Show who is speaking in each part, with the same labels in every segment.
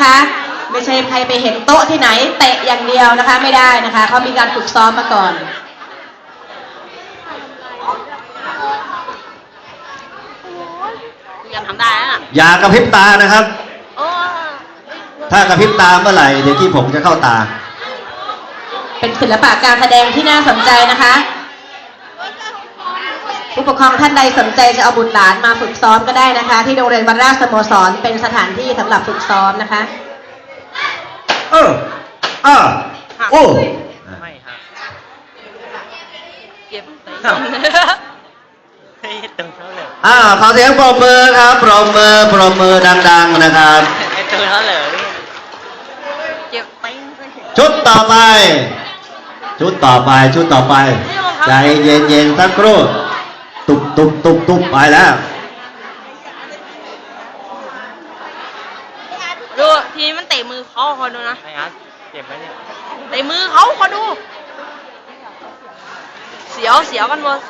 Speaker 1: นะคะไม่ใช่ใครไปเห็นโต๊ะที่ไหนเตะอย่างเดียวนะคะไม่ได้นะคะเขามีการฝึกซ้อมมาก่อน
Speaker 2: ยังทำได้นะ
Speaker 3: อย่ากระพริบตานะครับ ถ้ากระพริบตาเมื่อไหร่เดี๋ยวที่ผมจะเข้าตา
Speaker 1: เป็นศิลปะการแสดงที่น่าสนใจนะคะผู้ปกครองท่านใดสนใจจะเอาบุตรหลานมาฝึกซ้อมก็ได้นะคะที่โรงเรียนวัดราชสโมสรเป็นสถานที่สำหรับฝึกซ้อมนะคะ
Speaker 3: โอ้
Speaker 2: ไม่ฮะเก็บไปตึงเท่าเลย
Speaker 3: ขอเสียงปรบมือครับปรบมือดังๆนะครับ
Speaker 2: ไอ้ตึงเท่าเลยเก็บไป
Speaker 3: ชุดต่อไปใจเย็นๆสักครู่ตุบไปแล้ว
Speaker 2: ดูทีนี้มันเตะมือเขาคอยดูนะไอ้อาร์ตเจ็บไหมเนี่ยเตะมือเขาคอยดูเสียวกันหมด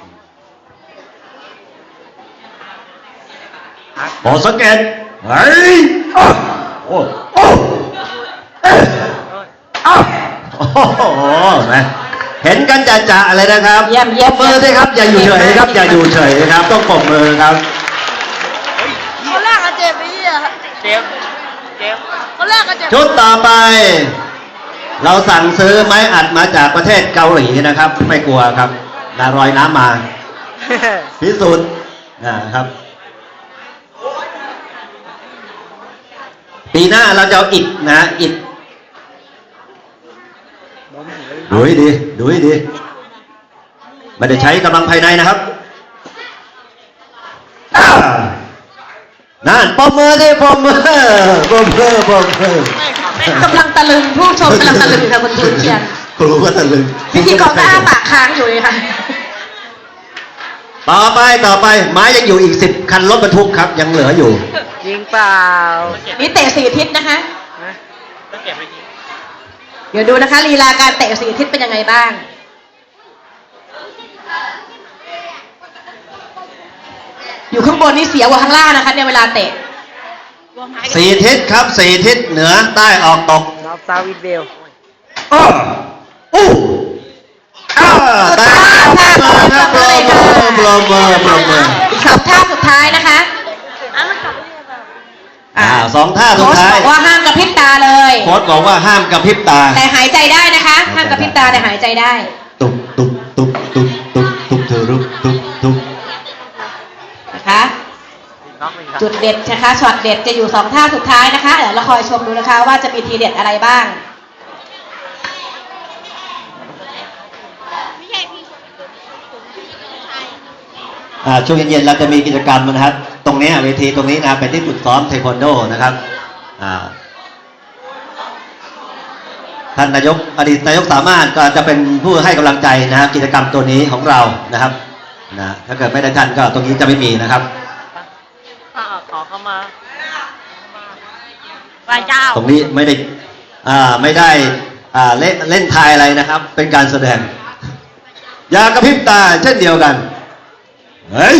Speaker 3: บอสังเกตเฮ้ยโอ้โหแม่เห็นกันจะอะไรนะครับ
Speaker 1: เยี่ยม
Speaker 3: มือด้วยครับอย่าอยู่เฉยครับอย่าอยู่เฉยครับต้องปรบมือครับ
Speaker 2: คนแรกก็เจ็บไปเจ็บคนแรกก็เจ็บ
Speaker 3: ชุดต่อไปเราสั่งซื้อไม้อัดมาจากประเทศเกาหลีนะครับไม่กลัวครับลอยน้ำมาพิสูจน์นะครับปีหน้าเราจะเอาอิฐนะอิฐดูให้ดีไม่ได้ใช้กำลังภายในนะครับนั่นปมมือดิปมมือก
Speaker 1: ำลังตะลึงผู้ชมกำลังตะลึงค่ะคุณครูเชียน
Speaker 3: ครูก็ตะลึง
Speaker 1: พิธีกรก็อ้าปากค้างอยู่เลยค่ะ
Speaker 3: ต่อไปไม้ยังอยู่อีก10 คันรถบรรทุกครับยังเหลืออยู่
Speaker 2: ยิงเปล่า
Speaker 1: นี่เตะ4 ทิศนะคะ
Speaker 2: ต้องเก็บไปที
Speaker 1: เดี๋ยวดูนะคะลีลาการเตะ4 ทิศเป็นยังไงบ้างอยู่ข้างบนนี่เสียกว่าข้างล่างนะคะในเวลาเตะ
Speaker 3: 4 ทิศครับ4 ทิศเหนือใต้ออกตก
Speaker 2: นอร์ซาวิดเบล
Speaker 3: แต่ปรบมือ
Speaker 1: อีก2 ท่าสุดท้ายนะคะ
Speaker 3: 2 ท่าสุดท้าย
Speaker 1: โค้ชบอกว่าห้ามกระพริบตาเลย
Speaker 3: โค้ชบอกว่าห้ามกระพริบตา
Speaker 1: แต่หายใจได้นะคะห้ามกระพริบตาแต่หายใจได้
Speaker 3: ตุบเธอรุบ
Speaker 1: นะคะจุดเด็ดนะคะช็อตเด็ดจะอยู่2 ท่าสุดท้ายนะคะเดี๋ยวเราคอยชมดูนะคะว่าจะมีทีเด็ดอะไรบ้าง
Speaker 3: ช่วงเย็นๆเราจะมีกิจกรรมนะครับตรงนี้เวทีตรงนี้นะเป็นที่ฝึกซ้อมเทควันโดนะครับท่านนายกอดีตนายกสามารถก็จะเป็นผู้ให้กำลังใจนะครับกิจกรรมตัวนี้ของเรานะครับถ้าเกิดไม่ได้ท่านก็ตรงนี้จะไม่มีนะครับ
Speaker 2: ขอเข้ามาไหว้เจ้า
Speaker 3: ตรงนี้ไม่ได้เล่นทายอะไรนะครับเป็นการแสดงอย่ากระพริบตาเช่นเดียวกันเฮ้ย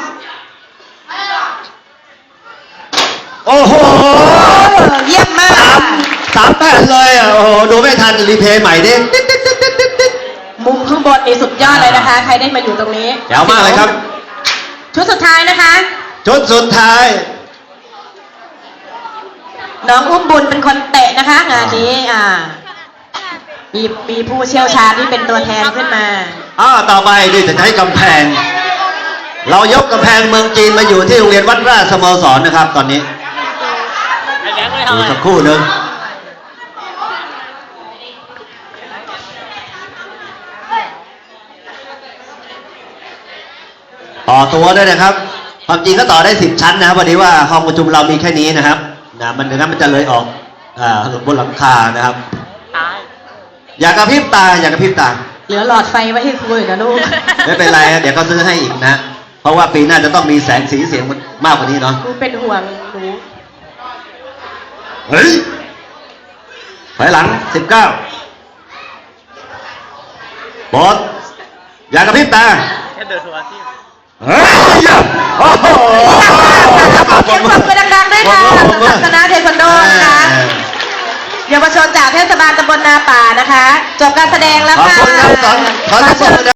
Speaker 3: โอ้โห
Speaker 1: เยี่ยมมาก
Speaker 3: 3 แผ่นเลยโอ้โหดูไม่ทันรีเพย์ใหม่ดิ
Speaker 1: มุมข้างบนนี่สุดยอดเลยนะคะใครได้มาอยู่ตรงนี้
Speaker 3: แจ๋วมากเลยครับ
Speaker 1: ชุดสุดท้ายนะคะ
Speaker 3: ชุดสุดท้าย
Speaker 1: น้องอุ้มบุญเป็นคนเตะนะคะงานนี้มีผู้เชี่ยวชาญที่เป็นตัวแทนขึ้นมา
Speaker 3: ต่อไปดิจะใช้กำแพงเรายกกำแพงเมืองจีนมาอยู่ที่โรงเรียนวัดราชสโมสรนะครับตอนนี้ดูสักครู่หนึ่งต่อตัวด้วยนะครับความจริงก็ต่อได้10 ชั้นนะครับวันนี้ว่าห้องประชุมเรามีแค่นี้นะครับมันจะเลยออกบนหลังคานะครับอย่ากระพริบตา
Speaker 1: เหลือหลอดไฟไว้ให้คุยนะลูก
Speaker 3: ไม่เป็นไรเดี๋ยวเขาซื้อให้อีกนะเพราะว่าปีหน้าจะต้องมีแสงสีเสียงมากกว่านี้เนาะ
Speaker 1: กูเป็นห่วงหนู
Speaker 3: เฮ้ยถอยหลัง19บอสอย่ากระพริบตา
Speaker 2: แค่เดินทัวร์ที่
Speaker 3: เฮ้ยโอ้โห
Speaker 1: เสียงปรบมือดังๆด้วยค่ะสำหรับคณะเทควันโดนะคะชนจากเทศบาลตำบลนาป่านะคะ จบการแสดงแล้ว
Speaker 3: ขอบ
Speaker 1: ค่ะ
Speaker 3: คุณครับขอเสียงปรบมือ